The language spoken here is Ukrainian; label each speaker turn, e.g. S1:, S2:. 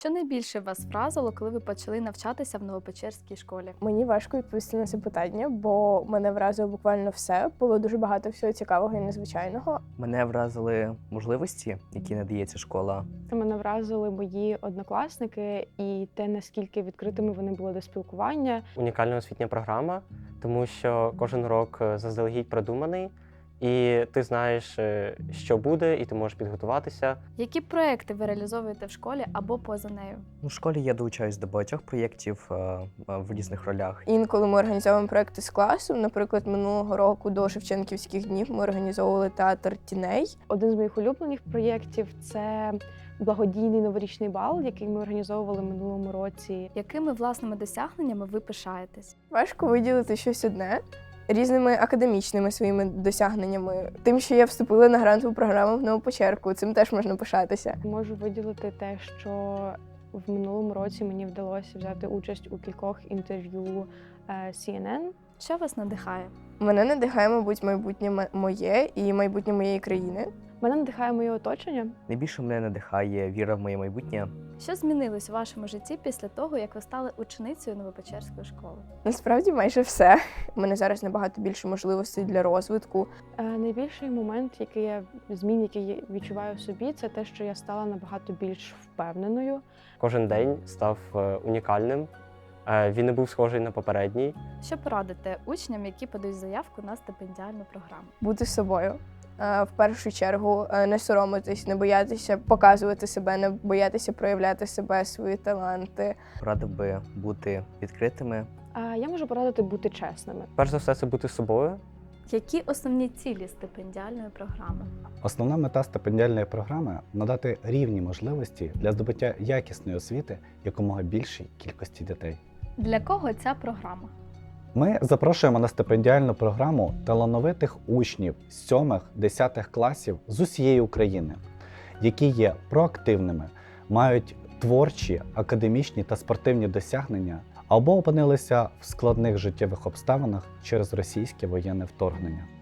S1: Що найбільше вас вразило, коли ви почали навчатися в Новопечерській школі?
S2: Мені важко відповісти на це питання, бо мене вразило буквально все. Було дуже багато всього цікавого і незвичайного.
S3: Мене вразили можливості, які надає ця школа.
S4: Мене вразили мої однокласники і те, наскільки відкритими вони були до спілкування.
S5: Унікальна освітня програма, тому що кожен урок заздалегідь продуманий, і ти знаєш, що буде, і ти можеш підготуватися.
S1: Які проекти ви реалізовуєте в школі або поза нею?
S3: У школі я долучаюсь до багатьох проєктів в різних ролях.
S2: Інколи ми організовуємо проекти з класом. Наприклад, минулого року до Шевченківських днів ми організовували театр тіней.
S4: Один з моїх улюблених проєктів – це благодійний новорічний бал, який ми організовували минулому році.
S1: Якими власними досягненнями ви пишаєтесь?
S2: Важко виділити щось одне. Різними академічними своїми досягненнями. Тим, що я вступила на грантову програму в Новопечерку, цим теж можна пишатися.
S4: Можу виділити те, що в минулому році мені вдалося взяти участь у кількох інтерв'ю CNN.
S1: Що вас надихає?
S2: Мене надихає, мабуть, майбутнє моє і майбутнє моєї країни.
S4: Мене надихає моє оточення.
S3: Найбільше мене надихає віра в моє майбутнє.
S1: Що змінилось у вашому житті після того, як ви стали ученицею Новопечерської школи?
S2: Насправді майже все. У мене зараз набагато більше можливостей для розвитку.
S4: Найбільший момент, змін, який я відчуваю в собі, це те, що я стала набагато більш впевненою.
S5: Кожен день став унікальним. Він не був схожий на попередній.
S1: Що порадите учням, які подають заявку на стипендіальну програму?
S2: Бути собою. В першу чергу не соромитись, не боятися показувати себе, не боятися проявляти себе, свої таланти.
S3: Радив би бути відкритими.
S4: Я можу порадити бути чесними.
S5: Перш за все, це бути собою.
S1: Які основні цілі стипендіальної програми?
S6: Основна мета стипендіальної програми – надати рівні можливості для здобуття якісної освіти якомога більшій кількості дітей.
S1: Для кого ця програма?
S6: Ми запрошуємо на стипендіальну програму талановитих учнів з 7-10 класів з усієї України, які є проактивними, мають творчі, академічні та спортивні досягнення або опинилися в складних життєвих обставинах через російське воєнне вторгнення.